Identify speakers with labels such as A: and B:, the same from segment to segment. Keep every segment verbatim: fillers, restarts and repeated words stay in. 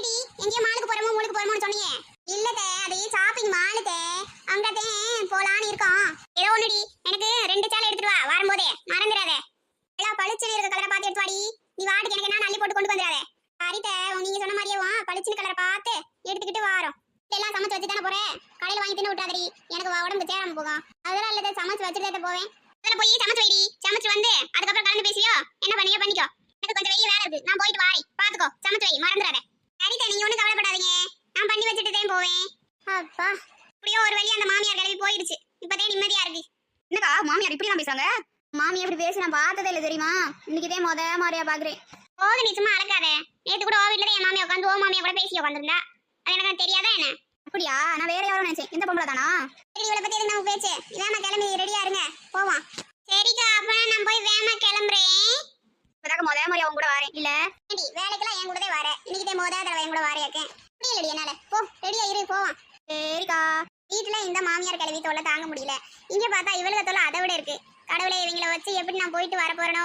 A: என்னடி எங்கேயோ மாலுக்கு போறோமோ மூலுக்கு போறோமோன்னு சொன்னீங்க. இல்லதே அது ஷாப்பிங் மாலுதே, அங்கதே போலான்னு இருக்கோம். ஏதோ ஒண்ணுடி, எனக்கு ரெண்டு சேலை எடுத்துட்டு வா வரும்போதே, மறந்துடாதே. எல்லாம் பளிச்சுன்னு இருக்க கலரை பார்த்து எடுத்து வாடி. நீ வாட்டுக்கு எனக்கு என்ன அள்ளி போட்டு கொண்டு வந்துடாதே. சரிதே, நீங்க சொன்ன மாதிரியே வா பளிச்சுன்னு கலரை பார்த்து எடுத்துக்கிட்டு வாரோம். எல்லாம் சமைச்சு வச்சு தானே போறேன், கடையில வாங்கி தின்னு விட்டாதடி, எனக்கு உடம்புக்கு சேராம போகும். அதெல்லாம் இல்லதே, சமைச்சு வச்சுட்டு போவேன். அதில் போய் சமைச்சு வைடி, சமைச்சு வந்து அதுக்கப்புறம் கலந்து பேசியோ என்ன பண்ணியோ பண்ணிக்கோ. எனக்கு கொஞ்சம் வெளியே வேலை இருக்கு, நான் போயிட்டு வாரி பாத்துக்கோ. சமைச்சு வை, மறந்துடாதே. சரிதே, நீங்க ஒன்றும் கவலைப்படாதீங்க, நான் பண்ணி வச்சுட்டு தான் போவேன். அப்பா இப்படியோ ஒரு வழி அந்த மாமியார் கிளம்பி போயிடுச்சு. இப்பதே நிம்மதியா இருக்கு.
B: என்னக்கா மாமியார் இப்படி தான் பேசுறாங்க? மாமியார் இப்படி பேசி நான் பார்த்ததே இல்லை தெரியுமா? இன்னைக்குதே முத மாதிரியா பாக்குறேன்.
A: போக நீ சும்மா அழகாத. நேற்று கூட ஓ வீட்டுல என் மாமியா உட்காந்து ஓ மாமியா கூட பேசி உட்காந்துருந்தா. அது எனக்கு தெரியாதா என்ன?
B: அப்படியா? நான் வேற யாரும் நினைச்சேன். இந்த பொம்பளை தானா?
A: சரி, இவளை பத்தி எதுக்கு நம்ம பேச்சு? இதாம கிளம்பி ரெடியா இருங்க, போவோம். சரிக்கா, அப்ப நான் போய் வேமா கிளம்புறேன்.
B: இப்பதாக்க முத மாதிரியா உங்க கூட வரேன். இல்ல
A: வேலைக்கெல்லாம் என் கூடவே வர, இன்னைக்கு முத தடவை என் கூட வாரியாக்கேன். முடியலடி என்னால. போ ரெடியா இரு, போவோம்.
B: சரிக்கா.
A: வீட்டுல இந்த மாமியார் கிளவி தொல்லை தாங்க முடியல. இங்க பார்த்தா இவளுக்கு தொல்லை அதை விட இருக்கு. கடவுளே, இவங்கள வச்சு எப்படி நான் போயிட்டு வர போறனோ?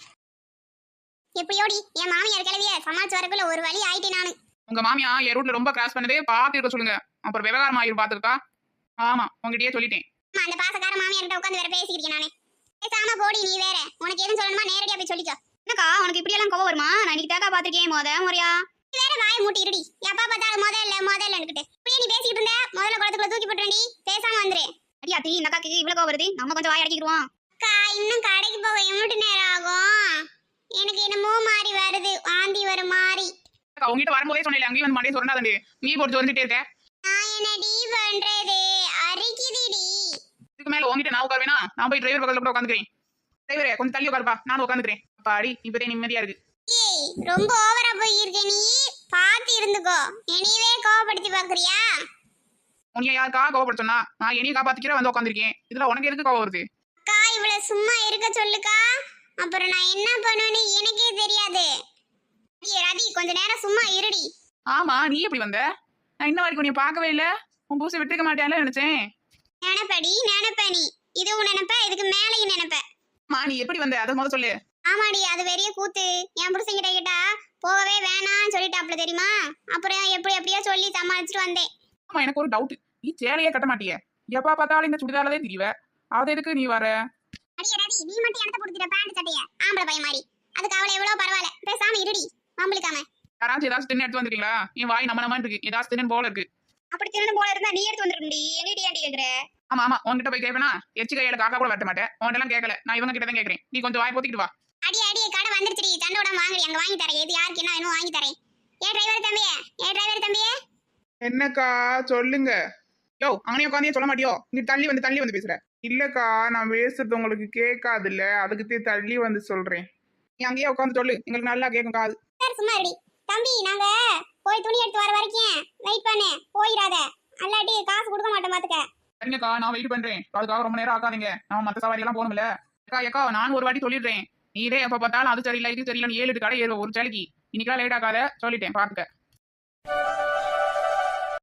A: எப்படியோடி என் மாமியார் கிளவிய சமாளிச்சு வரக்குள்ள ஒரு வழி ஆயிட்டேன் நானு.
C: உங்க மாமியா என் ரூட்ல ரொம்ப கிராஸ் பண்ணதே பாத்து இருக்க சொல்லுங்க. அப்புறம் விவகாரம் ஆயிரும் பாத்துருக்கா. ஆமா, உங்ககிட்டயே சொல்லிட்டேன்.
A: அந்த பாசக்கார மாமியார் கிட்ட உட்காந்து வேற பேசிக்கிறீங்க நானே. பேசாம போடி நீ வேற. உனக்கு எதுவும் சொல்லணுமா நேரடியா போய் சொல்லிக்கோ.
B: என்னக்கா உனக்கு இப்படி எல்லாம் கோவம் வருமா? நான் இன்னைக்கு தாக்கா பாத்திருக்கேன் முத முறையா.
A: நீ வேற வாயை மூட்டி இருடி. எப்பா பார்த்தாலும் முதல்ல முதல்ல நினைக்கிட்டு இப்படியே நீ பேசிக்கிட்டு இருந்த. முதல்ல குளத்துக்குள்ள தூக்கி போட்டுறேன்டி, பேசாம வந்துரு.
B: அடியாத்தி, இந்த அக்காக்கு இவ்வளவு கோவம் வருது, நம்ம கொஞ்சம் வாய் அடக்கிடுவோம்.
A: அக்கா, இன்னும் கடைக்கு போக எவ்வளவு நேரம் ஆகும்? எனக்கு என்னமோ மாறி வருது, வாந்தி வர மாதிரி.
C: உங்ககிட்ட வரும்போதே சொன்னேன், அங்கேயும் வந்து மண்டே சொன்னாதே நீ போட்டு வந்துட்டே இருக்க.
A: நான் என்னடி பண்றது? அரிக்குதுடி.
C: இதுக்கு மேல உங்ககிட்ட நான் உட்காருவேனா? நான் போய் டிரைவர் பக்கத்துல கூட உட்காந்துக்கிறேன். டிரைவரே கொஞ்சம் தள்ளி உட்காருப்பா, நானும் உட்காந்துக்கிறேன். அப்பாடி, இப்பதே நிம்மதியா இருக்கு.
A: ஏய், ரொம்ப ஓவரா போயிருக்க நீ. பாத்து இருந்துக்கோ. என்னையவே கோவப்படுத்தி பாக்குறியா?
C: உன்னைய யாருக்கா கோவப்பட சொன்னா? நான் என்னைய காப்பாத்திக்கிற வந்து உட்காந்துருக்கேன். இதுல உனக்கு எதுக்கு கோவம் வருது?
A: அக்கா, இவ்வளவு சும்மா இருக்க சொல்லுக்கா. அப்புறம் நான் என்ன பண்ணுவேன்னு எனக்கே தெரியாது. ரதி, கொஞ்ச நேரம் சும்மா இருடி.
C: ஆமா, நீ எப்படி வந்த? நான் இன்ன வரைக்கும் நீ பார்க்கவே இல்ல. உன் பூசை விட்டுக்க மாட்டேன்ல நினைச்சேன்.
A: நினைப்படி நினைப்ப நீ. இதுவும் நினைப்ப, இதுக்கு மேலையும் நினைப்ப.
C: மா, நீ எப்படி வந்த அதை முதல்ல சொல்லு.
A: ஆமாடி, அது வெறிய கூத்து. என் புருஷன் கிட்ட கேட்டா போகவே வேணான்னு சொல்லிட்டாப்ல தெரியுமா? அப்புறம் எப்படி எப்படியோ சொல்லி சமாளிச்சுட்டு வந்தேன்.
C: ஆமா, எனக்கு ஒரு டவுட். நீ சேலையே கட்ட மாட்டிய, எப்பா பார்த்தாலும் இந்த சுடிதாரதே தெரியவ. அது எதுக்கு நீ வர?
A: அடியே ரதி, நீ மட்டும் இடத்த போட்டுட்ட பேண்ட் சட்டைய ஆம்பளை பையன் மாதிரி. அதுக்கு அவளை எவ்வளவு பரவாயில்ல, பேசாம இருடி. மாம்பளிக்காம
C: யாராச்சும் ஏதாச்சும் தின்னு எடுத்து வந்துருக்கீங்களா? என் வாய் நம்ம நம்ம இருக்கு, ஏதாச்சும் தின்னு போல இருக்கு.
B: அப்படி தின்னு போல இருந்தா நீ எடுத்து வந்துருக்கி. என்னடி ஆண்டி கேக்குற?
C: ஆமா ஆமா, உன்கிட்ட போய் கேட்பேனா? எச்சு கையில காக்கா கூட வெட்ட மாட்டேன். உன்கிட்ட எல்லாம் கேட்கல, நான் இவங்க கிட்ட தான் கேட்கறேன். நீ கொஞ்சம் வாய் போத்திட்டு வா.
A: அடி அடி, கடை வந்துருச்சுடி. சண்டோட வாங்குறீ, அங்க வாங்கி தரேன். எது யாருக்கு என்ன வேணும் வாங்கி தரேன். ஏ டிரைவர் தம்பியே, ஏ டிரைவர் தம்பியே.
D: என்னக்கா சொல்லுங்க.
C: யோ, அங்கனே உட்காந்தே சொல்ல மாட்டியோ? நீ தள்ளி வந்து தள்ளி வந்து பேசுற.
D: இல்லக்கா, நான் பேசுறது உங்களுக்கு கேட்காதுல்ல, அதுக்கு தள்ளி வந்து சொல்றேன்.
C: நீ அங்கேயே உட்காந்து சொல்லு, எங்களுக்கு நல்லா கேட்கும் காது.
A: சார் சும்மா இருடி. தம்பி, நாங்க போய் துணி எடுத்து வர வரைக்கும் வெயிட் பண்ணு, போயிடாத. அல்லாட்டி காசு கொடுக்க மாட்டேன் பாத்துக்க.
C: சரிங்கக்கா, நான் வெயிட் பண்றேன். அதுக்காக ரொம்ப நேரம் ஆகாதீங்க. நம்ம மத்த சவாரி எல்லாம் போகணும்ல. அக்கா ஏக்கா, நான் ஒரு வாட்டி சொல்லிடுறேன். நீ இதே எப்ப பார்த்தாலும் அது சரியில்லை இது சரியில்லை ஏழு எட்டு கடை ஏறுவ ஒரு சேலைக்கு. இன்னைக்கெல்லாம் லேட் ஆகாத சொல்லிட்டேன், பாத்துக்க.